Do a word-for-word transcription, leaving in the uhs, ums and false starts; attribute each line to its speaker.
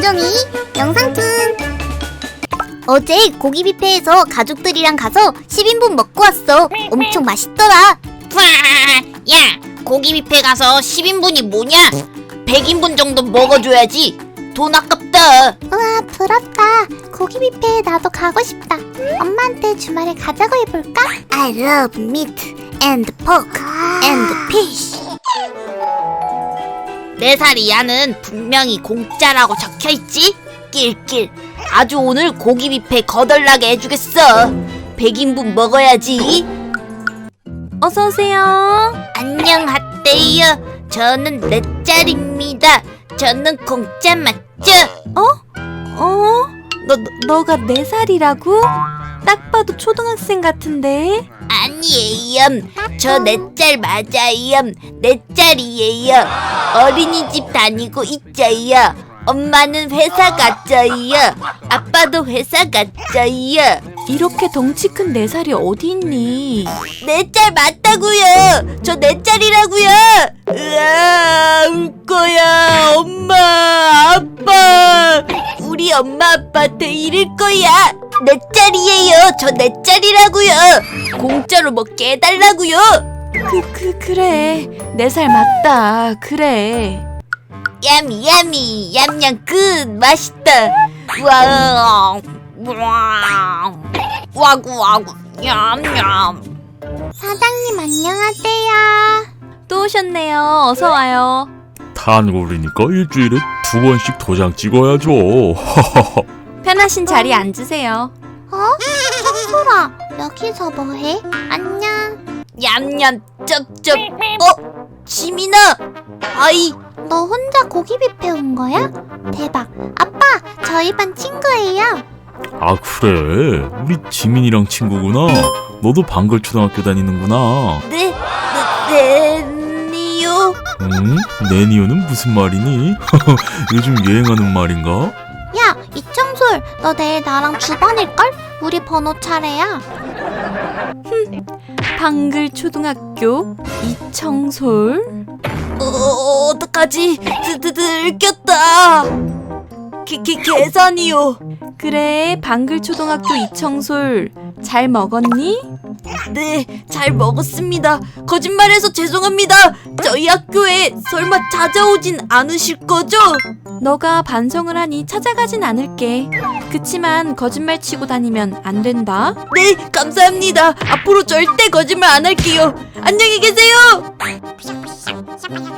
Speaker 1: 김종이 영상툰. 어제 고기 뷔페에서 가족들이랑 가서 십 인분 먹고 왔어. 엄청 맛있더라.
Speaker 2: 야, 고기 뷔페 가서 십 인분이 뭐냐? 백 인분 정도 먹어줘야지. 돈 아깝다.
Speaker 1: 우와, 부럽다. 고기 뷔페에 나도 가고 싶다. 엄마한테 주말에 가자고 해볼까? I love meat and pork and fish.
Speaker 2: 네 살이 야는 분명히 공짜라고 적혀있지? 낄낄. 아주 오늘 고기 뷔페 거덜나게 해주겠어. 백 인분 먹어야지.
Speaker 3: 어서오세요.
Speaker 2: 안녕하세요. 저는 네 짤입니다. 저는 공짜 맞죠?
Speaker 3: 어? 어? 너, 너, 너가 네 살이라고? 딱 봐도 초등학생 같은데?
Speaker 2: 아니에요. 저 네 짤 맞아요. 네 짤이에요. 어린이집 다니고 있어요. 엄마는 회사 갔어요. 아빠도 회사 갔어요.
Speaker 3: 이렇게 덩치 큰 네 살이 어디 있니?
Speaker 2: 네 짤 맞다고요. 저 네 짤이라고요. 으아, 울 거야. 엄마, 아빠. 우리 엄마 아빠한테 이럴 거야. 네 짤이에요. 저 네 짤이라고요. 공짜로 먹게 해달라고요.
Speaker 3: 그, 그, 그래. 네 살 맞다. 그래.
Speaker 2: 야미 야미 얌얌 끝 맛있다. 와 와 와구 와구 얌얌.
Speaker 1: 사장님 안녕하세요.
Speaker 3: 또 오셨네요. 어서 와요.
Speaker 4: 단골이니까 일주일에 두 번씩 도장 찍어야죠.
Speaker 3: 편하신 자리에 앉으세요.
Speaker 1: 어? 청소라, 여기서 뭐해? 안녕.
Speaker 2: 얌얌 쩝쩝. 어? 지민아. 아이.
Speaker 1: 너 혼자 고기 뷔페 온 거야? 대박. 아빠, 저희 반 친구예요.
Speaker 4: 아 그래? 우리 지민이랑 친구구나. 너도 방글초등학교 다니는구나.
Speaker 2: 네, 네, 네요.
Speaker 4: 응? 내니오는 무슨 말이니? 요즘 유행하는 말인가?
Speaker 1: 야, 이청솔, 너 내일 나랑 주반일걸? 우리 번호 차례야.
Speaker 3: 방글 초등학교 이청솔.
Speaker 2: 어, 어떡하지? 드, 드, 들켰다. 계, 계, 계산이요.
Speaker 3: 그래, 방글 초등학교 이청솔. 잘 먹었니?
Speaker 2: 네, 잘 먹었습니다. 거짓말해서 죄송합니다. 저희 학교에 설마 찾아오진 않으실 거죠?
Speaker 3: 너가 반성을 하니 찾아가진 않을게. 그치만 거짓말 치고 다니면 안 된다.
Speaker 2: 네, 감사합니다. 앞으로 절대 거짓말 안 할게요. 안녕히 계세요.